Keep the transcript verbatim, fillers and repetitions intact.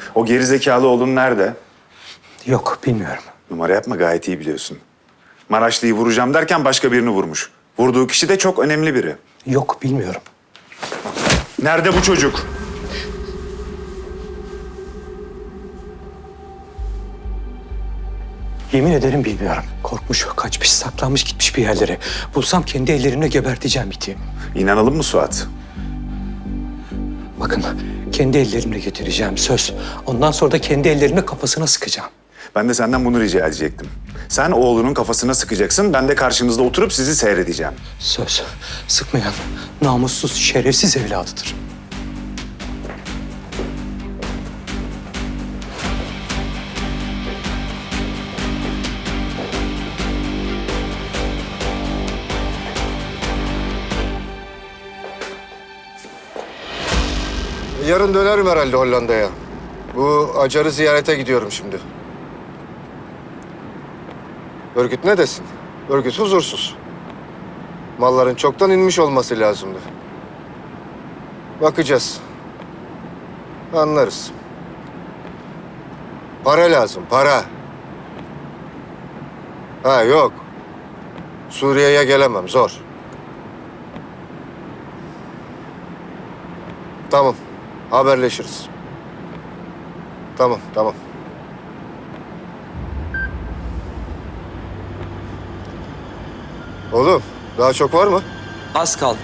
O gerizekalı oğlun nerede? Yok, bilmiyorum. Numara yapma, gayet iyi biliyorsun. Maraşlı'yı vuracağım derken başka birini vurmuş. Vurduğu kişi de çok önemli biri. Yok, bilmiyorum. Nerede bu çocuk? Yemin ederim bilmiyorum. Korkmuş, kaçmış, saklanmış, gitmiş bir yerlere. Bulsam kendi ellerimle geberteceğim iti. İnanalım mı Suat? Bakın, kendi ellerimle getireceğim, söz. Ondan sonra da kendi ellerimle kafasına sıkacağım. Ben de senden bunu rica edecektim. Sen oğlunun kafasına sıkacaksın, ben de karşınızda oturup sizi seyredeceğim. Söz. Sıkmayan, namussuz, şerefsiz evladıdır. Yarın dönerim herhalde Hollanda'ya. Bu Acar'ı ziyarete gidiyorum şimdi. Örgüt ne desin? Örgüt huzursuz. Malların çoktan inmiş olması lazımdı. Bakacağız. Anlarız. Para lazım, para. Ha yok. Suriye'ye gelemem, zor. Tamam, haberleşiriz. Tamam, tamam. Oğlum, daha çok var mı? Az kaldı.